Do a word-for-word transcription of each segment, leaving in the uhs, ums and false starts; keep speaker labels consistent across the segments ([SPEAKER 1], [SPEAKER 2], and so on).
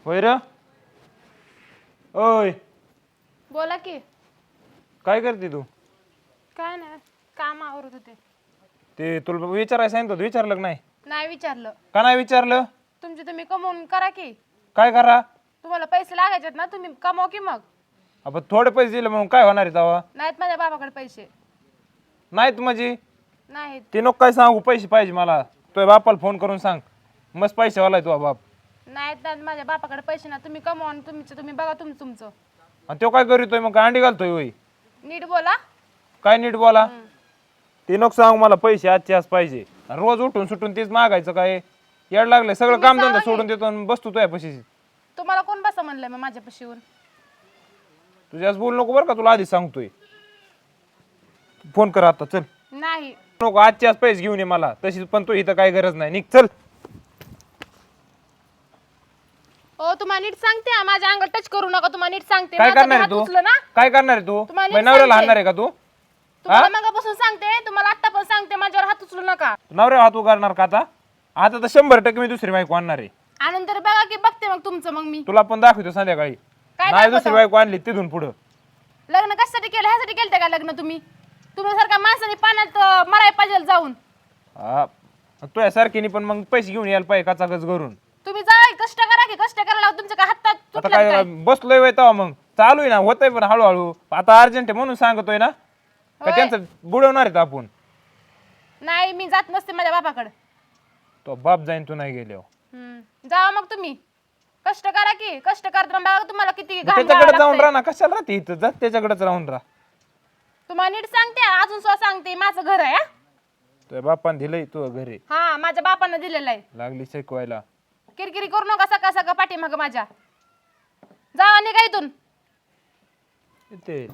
[SPEAKER 1] होय र. ओय
[SPEAKER 2] बोला की.
[SPEAKER 1] काय करते तू?
[SPEAKER 2] काय नाही, काम आवरत होते.
[SPEAKER 1] ते तुला विचारायला सांगितलं होतं, विचारलं का नाही?
[SPEAKER 2] नाही विचारलं.
[SPEAKER 1] का नाही विचारलं?
[SPEAKER 2] तुमचे तुम्ही कमवून करा की.
[SPEAKER 1] काय करा?
[SPEAKER 2] तुम्हाला पैसे लागायचे ना, तुम्ही कमवा की मग.
[SPEAKER 1] आपण थोडे पैसे दिले म्हणून काय होणार आहे तेव्हा?
[SPEAKER 2] नाहीत माझ्या बाबाकडे पैसे.
[SPEAKER 1] नाहीत म्हणजे
[SPEAKER 2] नाहीत.
[SPEAKER 1] ते नको काय सांगू, पैसे पाहिजे मला. तुझ्या बापाला फोन करून सांग, मस्त पैसेवाला आहे तुझा बाप.
[SPEAKER 2] नाहीत ना माझ्या बापाकडे पैसे ना, तुम्ही कमवा आणि तुमचं तुम्ही बघा तुम तुमचं.
[SPEAKER 1] आणि तो काय करीतोय मग? काय अंडी घालतोय होय?
[SPEAKER 2] नीट बोला.
[SPEAKER 1] काय नीट बोला. ते नको सांगू, मला पैसे आजचे आज पाहिजे. आणि रोज उठून सुटून तेच मागायचं काय? येड लागलंय, सगळं
[SPEAKER 2] तुम्ही
[SPEAKER 1] काम धंदा
[SPEAKER 2] सांगा
[SPEAKER 1] सोडून देतो आणि बसतो तुझ्या पैसे.
[SPEAKER 2] तुम्हाला कोण बसा म्हणलंय मग माझ्या पशीवर?
[SPEAKER 1] तुझ्याच बोल नको बरं का, तुला आधीच सांगतोय. फोन कर आता, चल.
[SPEAKER 2] नाही.
[SPEAKER 1] नको, आजचे आज पैसे घेऊन ये मला तशीच, पण तू इथं काय गरज नाही, निघ चल.
[SPEAKER 2] ओ तुम्हाला नीट सांगते हा, माझ्या अंगात टच करू नका. तुम्हाला नीट सांगते.
[SPEAKER 1] काय
[SPEAKER 2] माझा
[SPEAKER 1] करणार आहे
[SPEAKER 2] हात
[SPEAKER 1] तू?
[SPEAKER 2] उचलं ना.
[SPEAKER 1] काय करणार आहे तू?
[SPEAKER 2] तुम्हाला नीट
[SPEAKER 1] माझ्या नवऱ्याला
[SPEAKER 2] सांगते.
[SPEAKER 1] हाणणार आहे का तू?
[SPEAKER 2] तुम्हाला मगापासून सांगते, तुम्हाला आता पण सांगते, माझ्यावर हात उचलू नका.
[SPEAKER 1] नवऱ्या हात उगारणार का आता? आता तर शंभर टक्के मी दुसरी बायको आणणार आहे.
[SPEAKER 2] आनंतर बघा की, बघते मग तुमचं मग मी.
[SPEAKER 1] तुला पण दाखवतो संध्याकाळी.
[SPEAKER 2] काय
[SPEAKER 1] नाही
[SPEAKER 2] दाखवतो?
[SPEAKER 1] दुसरी बायको आणली तिथून पुढं.
[SPEAKER 2] लग्न कशासाठी केलं? ह्यासाठी केलं का लग्न तुम्ही? तुम्ही सारखा माणसाने पाण्यात अं, मरायला पाहिजे जाऊन.
[SPEAKER 1] हा, तुझ्या सारखीने पण मग पैसे घेऊन यायला पाहिजे काचाकच करून.
[SPEAKER 2] तुम्ही जा कष्ट करा की, कष्ट करायला लावा. तुमच्या काय हातात
[SPEAKER 1] आता
[SPEAKER 2] तुटलं
[SPEAKER 1] काय
[SPEAKER 2] काय?
[SPEAKER 1] बसलोय वय तेव्हा मग चालू आहे ना, होतंय पण हळूहळू. आता अर्जंट आहे म्हणून सांगतोय ना, का
[SPEAKER 2] होय.
[SPEAKER 1] त्यांचं बुडवणार आहेत आपण?
[SPEAKER 2] नाही, मी जात नसते माझ्या बापाकडे.
[SPEAKER 1] तो बाप जाईन तू नाही गेल्यावर.
[SPEAKER 2] हम्म, जावा मग तुम्ही. कष्ट करा की, कष्ट करताना बघा तुम्हाला किती
[SPEAKER 1] मग
[SPEAKER 2] घाम
[SPEAKER 1] त्याच्याकडे
[SPEAKER 2] गाळावा
[SPEAKER 1] जाऊन
[SPEAKER 2] लागतोय.
[SPEAKER 1] राहा ना, कशाला राहते इथं? जा त्याच्याकडेच राहून राहा.
[SPEAKER 2] तुम्हाला नीट सांगते, अजून सुद्धा सांगते, माझं घर आहे हा.
[SPEAKER 1] तुझ्या बापान दिलंय तू घरी,
[SPEAKER 2] हा, माझ्या बापानं दिलेलं आहे.
[SPEAKER 1] लागली शिकवायला.
[SPEAKER 2] किरकिरी करू नका सकाळ सकाळ पाठीमागं माझ्या. जावा निघा इथून.
[SPEAKER 1] ते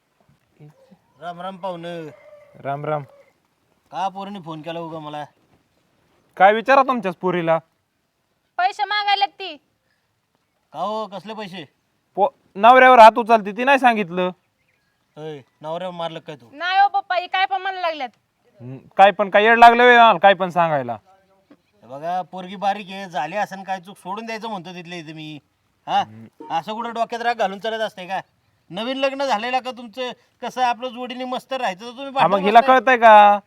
[SPEAKER 3] राम राम पाहुणं.
[SPEAKER 1] राम राम.
[SPEAKER 3] का पोरांनी फोन केला उगा मला?
[SPEAKER 1] काय विचारा तुमच्याच पुरीला?
[SPEAKER 2] पैसे मागायला ती.
[SPEAKER 3] का हो, कसले पैसे?
[SPEAKER 1] पो नवऱ्यावर हात उचलते ती नाही सांगितलं.
[SPEAKER 3] अय नवऱ्या मारलं काय तू?
[SPEAKER 2] नाही हो पप्पा, हे काय पण म्हणायला लागल्यात.
[SPEAKER 1] हम्म, काय पण काय येड लागलं व्हय मला काय पण सांगायला.
[SPEAKER 3] हे बघा पोरगी बारीक आहे, झाली असं काय चूक सोडून द्यायचं म्हणतो तिथले इथे मी. हा, असं कुठं डोक्यात राग घालून चालत असते का? नवीन लग्न झालेलं का तुमचं? कसं आपलं जोडीने मस्त राहायचं तर तुम्ही
[SPEAKER 1] हा, मग
[SPEAKER 3] भांडण
[SPEAKER 1] हिला
[SPEAKER 3] बसताय.
[SPEAKER 1] कळतंय का?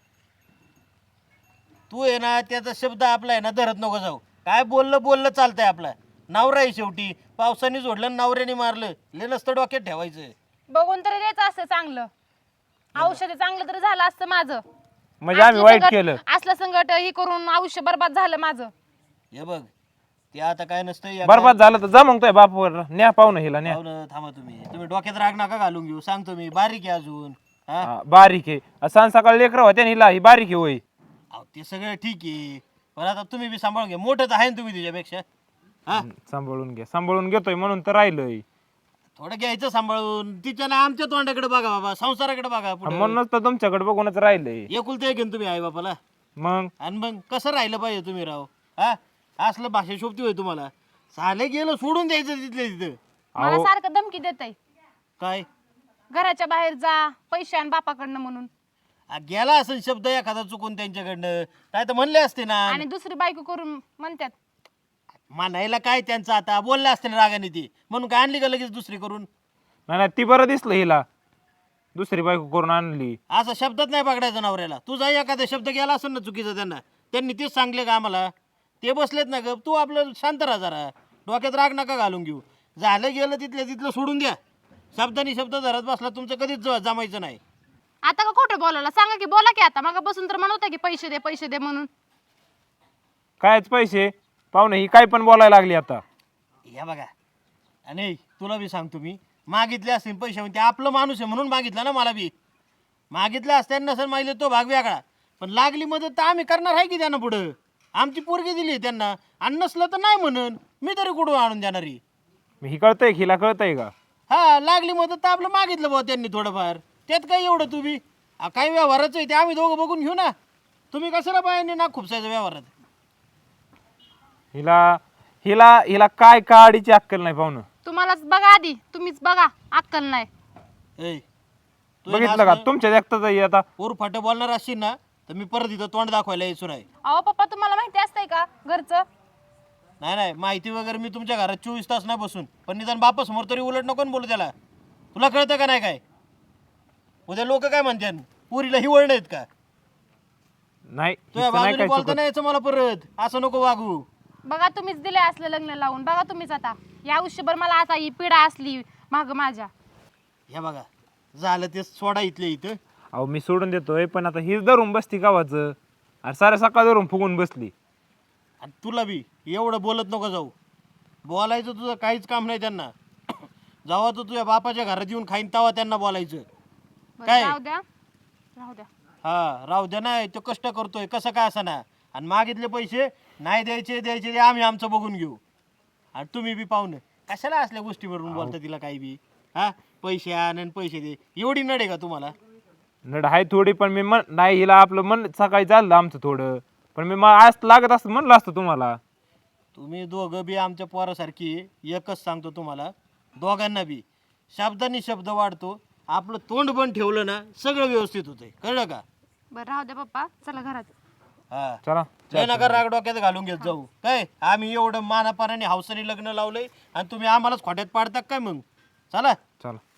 [SPEAKER 3] तू आहे ना, त्याचा शब्द आपला आहे ना धरत नको जाऊ. काय बोललं बोललं चालतंय आपलं. नवरा आहे शेवटी. पावसाने जोडलं आणि नवऱ्याने मारलं, ले नसतं डोक्यात ठेवायचं.
[SPEAKER 2] बघून तरी द्यायचं असतं चांगलं. औषध चांगलं तरी झालं असतं माझं.
[SPEAKER 1] म्हणजे आम्ही
[SPEAKER 2] असलं
[SPEAKER 1] वाईट
[SPEAKER 2] संकट-
[SPEAKER 1] केलं.
[SPEAKER 2] असलं संकट हे करून आयुष्य बरबाद झालं माझं.
[SPEAKER 3] हे बघ, ते आता काय नसतं. या
[SPEAKER 1] बरबाद झालं तर जा मग तुझ्या बापावर न्या, पाहुणं हिला न्या.
[SPEAKER 3] पाहुणं थांबा तुम्ही. तुम्ही डोक्यात राग नका घालून घेऊ. सांगतो मी, बारीक आहे अजून. हा,
[SPEAKER 1] हा, बारीक आहे. सांग सकाळ लेकरं होत्या हिला, ही बारीक आहे होय.
[SPEAKER 3] अहो, ते सगळं ठीक आहे, पण आता तुम्ही बी सांभाळून घ्या. मोठंच आहे ना तुम्ही तिच्यापेक्षा. हा,
[SPEAKER 1] हम्म, सांभाळून घ्या, सांभाळून घेतोय म्हणून तर राहिलंय.
[SPEAKER 3] थोडं घ्यायचं सांभाळून. तिच्या ना आमच्या तोंडाकडे बघा बाबा, संसाराकडे बघा पुढे.
[SPEAKER 1] म्हणूनच तर तुमच्याकडे बघूनच राहिलंय.
[SPEAKER 3] एकुलते एक आहे ना तुम्ही आई बापाला.
[SPEAKER 1] मग
[SPEAKER 3] आणि मग कसं राहिलं पाहिजे तुम्ही राव? हा, असलं भाषा शोभती होय तुम्हाला? साले गेलं सोडून द्यायचं तिथल्या तिथं.
[SPEAKER 2] मला सारखं धमकी देत आहे,
[SPEAKER 3] काय
[SPEAKER 2] घराच्या बाहेर जा, पैसे आण बापाकडनं म्हणून.
[SPEAKER 3] आ, गेला असं शब्द एखादा चुकून त्यांच्याकडनं, काय तर म्हणले असते ना.
[SPEAKER 2] आणि दुसरी बायको करून म्हणतात.
[SPEAKER 3] म्हणायला काय त्यांचं, आता बोलले असते ना रागाने ती, म्हणून काय आणली का लगेच दुसरी करून?
[SPEAKER 1] नाही नाही, ती बरं दिसलं हिला, दुसरी बायको करून आणली.
[SPEAKER 3] असं शब्दात नाही पकडायचं नवऱ्याला. तुझा एखादा शब्द गेला असेल ना चुकीचा त्यांना, त्यांनी तेच सांगले का आम्हाला? ते बसलेत ना ग, तू आपलं शांत राहा जरा, डोक्यात राग नका घालून घेऊ. झालं गेलं तिथल्या तिथलं सोडून द्या. शब्दानी शब्द धरत बसला तुमचं कधीच ज- जमायचं नाही.
[SPEAKER 2] आता का खोटं बोलायला सांगा की, बोला की आता. मग बसून तर म्हणत होता की पैसे दे पैसे दे म्हणून.
[SPEAKER 1] कायच पैसे? पाहुणे ही काय पण बोलायला लागली आता.
[SPEAKER 3] या बघा, आणि तुला बी सांगतो मी, मागितले असतील पैसे, म्हणजे आपलं माणूस आहे म्हणून मागितलं ना. मला बी मागितलं असत्या नसेल मागितलं तो भाग वेगळा, पण लागली मदत तर आम्ही करणार आहे की त्यांना. पुढं आमची पोरगी दिली त्यांना, आणि नसलं तर नाही म्हणून मी तरी कुठून आणून देणारी?
[SPEAKER 1] ही कळतंय, हिला कळतंय का?
[SPEAKER 3] हा, लागली मदत तर आपलं मागितलं बुवा त्यांनी थोडंफार, त्यात काय एवढं तुम्ही? आ, काही व्यवहाराचं आहे ते आम्ही दोघं बघून घेऊ ना. तुम्ही कशाला पाहिजे ना खुपसायचं व्यवहारात?
[SPEAKER 1] हिला हिला हिला काय काडीची अक्कल नाही पाहुणं.
[SPEAKER 2] तुम्हालाच बघा आधी, तुम्हीच बघा, अक्कल नाही.
[SPEAKER 3] ए, तू
[SPEAKER 1] बघितलं का तुमच्या देखताच आहे आता.
[SPEAKER 3] पोर फाटे बोलणार असशील ना, तर मी परत इथं तोंड दाखवायला यायचो नाही.
[SPEAKER 2] अहो पप्पा, तुम्हाला माहिती असतंय का घरचं?
[SPEAKER 3] नाही नाही माहिती वगैरे मी तुमच्या घरात चोवीस तास नाही बसून, पण निदान बापा समोर तरी उलट नको ना बोलू त्याला. तुला कळतं का नाही काय? उद्या लोक काय म्हणतात, पुरीला हिवळ नाहीत का?
[SPEAKER 1] नाही
[SPEAKER 3] तुझ्या
[SPEAKER 1] हिचं नाही
[SPEAKER 3] बाजूने
[SPEAKER 1] काय
[SPEAKER 3] बोलता
[SPEAKER 1] चुकत.
[SPEAKER 3] नाही यायचं मला परत, असं नको वागू.
[SPEAKER 2] बघा तुम्हीच दिले असलं लग्न लावून, बघा तुम्हीच आता या आयुष्यभर मला आता ही पिढा असली माग माझ्या.
[SPEAKER 3] हे बघा झालं ते सोडा इथले इथं.
[SPEAKER 1] अहो मी सोडून देतोय, पण आता हीच धरून बसती गावाचं, आणि साऱ्या सकाळ धरून फुगून बसली.
[SPEAKER 3] आणि तुला बी एवढं बोलत नको जाऊ. बोलायचं तुझं काहीच काम नाही त्यांना. जेव्हा तू तुझ्या बापाच्या घरात येऊन खाईन तेव्हा त्यांना बोलायचं.
[SPEAKER 2] बरं,
[SPEAKER 3] काय?
[SPEAKER 2] राहू द्या राहू द्या.
[SPEAKER 3] हा राहू द्या, नाही तो कष्ट करतोय कसं काय असं ना. आणि मागितले पैसे नाही द्यायचे द्यायचे ते आम्ही आमचं बघून घेऊ. आणि तुम्ही बी पाहुणे कशाला असल्या गोष्टीवरून बोलता तिला काही बी. हा पैसे आण आणि पैसे दे, एवढी नडे का तुम्हाला?
[SPEAKER 1] नड आहे थोडी, पण मी मन नाही हिला आपलं मन सकाळी चाललं आमचं थोडं, पण मी मग आज लागत असतं म्हणलं असतं तुम्हाला.
[SPEAKER 3] तुम्ही दोघं बी आमच्या पोरासारखी. एकच सांगतो तुम्हाला दोघांना बी, शब्दांनी शब्द वाढतो. आपलं तोंड पण ठेवलं ना सगळं व्यवस्थित होतंय, कळलं का?
[SPEAKER 2] बरं राहू द्या पप्पा, चला घरात.
[SPEAKER 3] हा
[SPEAKER 1] चला
[SPEAKER 3] लय नका राग डोक्यात घालून घेत जाऊ. काय आम्ही एवढं मानापानाने हौसाने लग्न लावलंय आणि तुम्ही आम्हालाच खोट्यात पाडता काय मग? चला.
[SPEAKER 1] चला.